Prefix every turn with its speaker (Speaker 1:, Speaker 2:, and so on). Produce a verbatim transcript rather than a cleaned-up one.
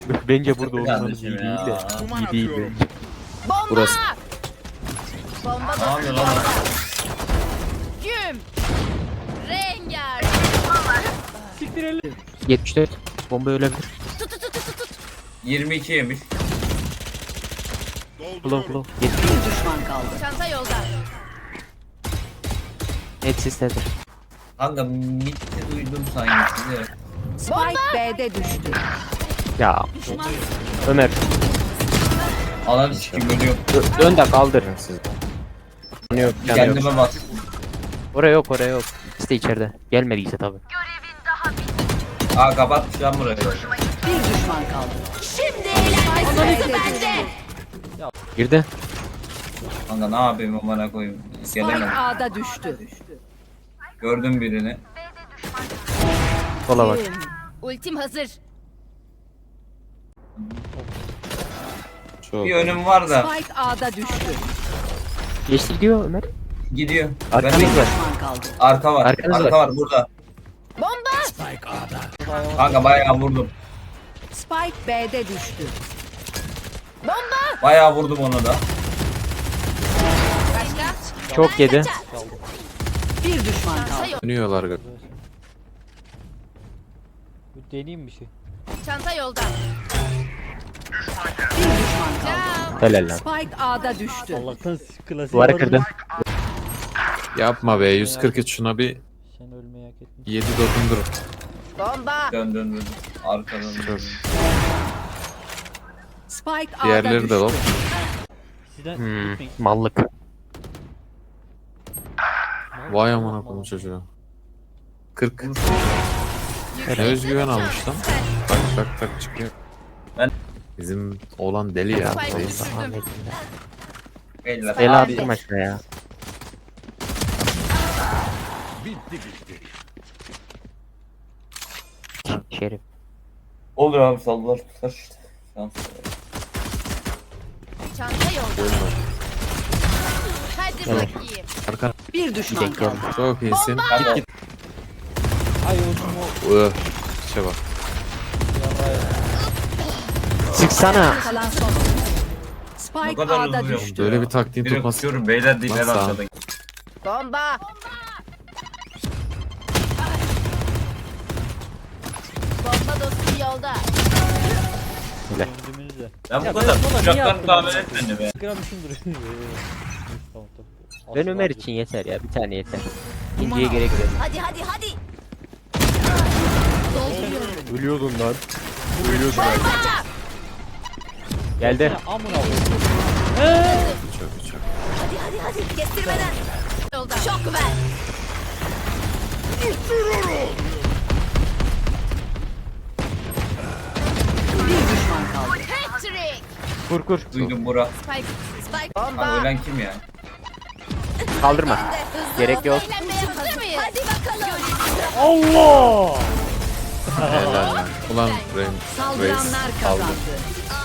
Speaker 1: Bence burada
Speaker 2: Çok
Speaker 1: olmanız iyi
Speaker 2: yanlışım
Speaker 1: değil de.
Speaker 2: ya.
Speaker 1: İyi değil bence.
Speaker 3: Bomba!
Speaker 4: Burası.
Speaker 3: Bomba
Speaker 2: Ne yapıyor lan?
Speaker 3: Güm! Rengar!
Speaker 1: yetmiş dört. Bomba ölebilir.
Speaker 3: Tut tut tut tut tut.
Speaker 2: yirmi iki yemiş.
Speaker 1: Kulav kulav. yetmiş.
Speaker 5: Bir düşman kaldı.
Speaker 3: Çanta yolda.
Speaker 1: Net sisledir.
Speaker 2: Kanka mitte duydum sanki size.
Speaker 5: Spike B'de düştü.
Speaker 1: Ya Ömer
Speaker 2: Ananı sikim ölüyor.
Speaker 1: dö- dön de kaldır. Canı yok, canı yok.
Speaker 2: Kendime bas.
Speaker 1: Oraya yok, oraya yok. İkisi de içeride. Gelmediyse tabi.
Speaker 2: Aa kapatmış lan burayı.
Speaker 5: Bir düşman kaldı.
Speaker 3: Şimdi eğlenmesi
Speaker 5: B'de
Speaker 3: bende.
Speaker 1: Girdi.
Speaker 2: Kanka ne yapayım amına koyayım.
Speaker 5: Spike
Speaker 2: Gelemem.
Speaker 5: A'da düştü.
Speaker 2: Gördüm birini.
Speaker 1: Sola bak.
Speaker 3: Ultim hazır.
Speaker 4: Çok.
Speaker 2: Bir önüm var da
Speaker 5: Spike A'da düştü.
Speaker 1: Geçti gidiyor Ömer.
Speaker 2: gidiyor.
Speaker 1: Arkanız
Speaker 2: Ben
Speaker 1: var.
Speaker 5: Düşman kaldı.
Speaker 2: arka var.
Speaker 1: Arkanız
Speaker 2: arka
Speaker 1: var.
Speaker 2: var. burada.
Speaker 3: Bomba!
Speaker 2: Kanka bayağı vurdum.
Speaker 5: Spike B'de düştü.
Speaker 3: Bomba!
Speaker 2: Bayağı vurdum onu da.
Speaker 3: Başka?
Speaker 1: Çok yedi.
Speaker 5: Bir düşman
Speaker 3: Çanta
Speaker 5: kaldı.
Speaker 3: yok.
Speaker 4: Dönüyorlar galiba.
Speaker 6: Bir deneyeyim bir şey.
Speaker 3: Çanta yolda.
Speaker 5: Bir düşman kaldı.
Speaker 3: Ciao.
Speaker 1: Helal lan.
Speaker 5: Spike A'da düştü.
Speaker 6: Allah'tan klasiği
Speaker 1: Duvarı
Speaker 6: aldım.
Speaker 1: kırdım.
Speaker 4: Yapma be, yüz kırk üç şuna bir
Speaker 6: Sen ölmeyi hak ettin.
Speaker 4: yedi dokundur.
Speaker 3: Bomba!
Speaker 2: Dön dön dön. Arkadan
Speaker 4: Çok.
Speaker 2: dön.
Speaker 5: Spike A'da
Speaker 4: Diğerleri
Speaker 5: düştü.
Speaker 4: de lan.
Speaker 6: Sizden
Speaker 1: Hmm,
Speaker 6: gitmeyin.
Speaker 1: mallık.
Speaker 4: Vay amına koyayım çocuğa. kırk. Ne özgüven almış lan. Tak tak tak çıkıyor.
Speaker 2: Ben-
Speaker 4: Bizim oğlan deli ya.
Speaker 3: Spike
Speaker 4: Deli.
Speaker 3: düşürdüm.
Speaker 2: Beyler.
Speaker 1: Bela
Speaker 3: Abi.
Speaker 1: attım aşağı ya. Şerif.
Speaker 2: Olur abi sallar tutar işte. Şans.
Speaker 3: Çanta yolda. Hadi
Speaker 1: Evet.
Speaker 3: bakayım.
Speaker 4: Arka.
Speaker 5: Bir düşman
Speaker 1: Gidek geldi.
Speaker 5: kaldı.
Speaker 4: Çok iyisin.
Speaker 2: Kanka,
Speaker 4: Git git.
Speaker 6: Ay oğlum o
Speaker 4: Ugh. İşe bak.
Speaker 6: yarraya.
Speaker 1: Çıksana.
Speaker 5: Kalan son.
Speaker 2: Bu
Speaker 5: Spike
Speaker 2: kadar
Speaker 5: A'da
Speaker 2: hızlı yok.
Speaker 5: düştü.
Speaker 4: Böyle bir taktiğin
Speaker 2: Direkt
Speaker 4: tutması.
Speaker 2: tutuyorum beyler değil
Speaker 4: Lan
Speaker 2: en
Speaker 4: sağ ol.
Speaker 2: arkada.
Speaker 3: Bomba! Bomba dostum yolda.
Speaker 6: Öldüğümüzde.
Speaker 2: Ben bu
Speaker 6: Ya
Speaker 2: kadar
Speaker 6: ben sola niye
Speaker 2: uçaktan
Speaker 6: attım
Speaker 2: tahmin
Speaker 6: ya?
Speaker 2: etmedim be.
Speaker 6: Gramışım duruyor. Tamam tamam.
Speaker 1: Ben Ömer için yeter ya. Bir tane yeter. İkinciye gerek yok.
Speaker 3: Hadi hadi hadi.
Speaker 1: Ölüyordun lan. Ölüyordun
Speaker 3: Bomba!
Speaker 1: Geldi.
Speaker 6: Ya amına koyayım.
Speaker 4: Çok çok.
Speaker 3: Hadi hadi hadi. Kestirmeden. Yolda. Şok ver.
Speaker 5: Bir düşman kaldı.
Speaker 3: Patrick.
Speaker 1: Kur kur.
Speaker 2: Duydum bura.
Speaker 3: Spike. Spike.
Speaker 2: Lan
Speaker 3: Bomba.
Speaker 2: ölen kim ya?
Speaker 1: Kaldırma.
Speaker 3: Hızlı
Speaker 1: Gerek
Speaker 3: hızlı
Speaker 1: yok.
Speaker 3: eğlenmeye hazır mıyız? Hadi bakalım.
Speaker 6: Allah!
Speaker 4: Helal lan. Ulan Rem. Reis
Speaker 5: Saldıranlar
Speaker 4: aldı.
Speaker 5: kazandı.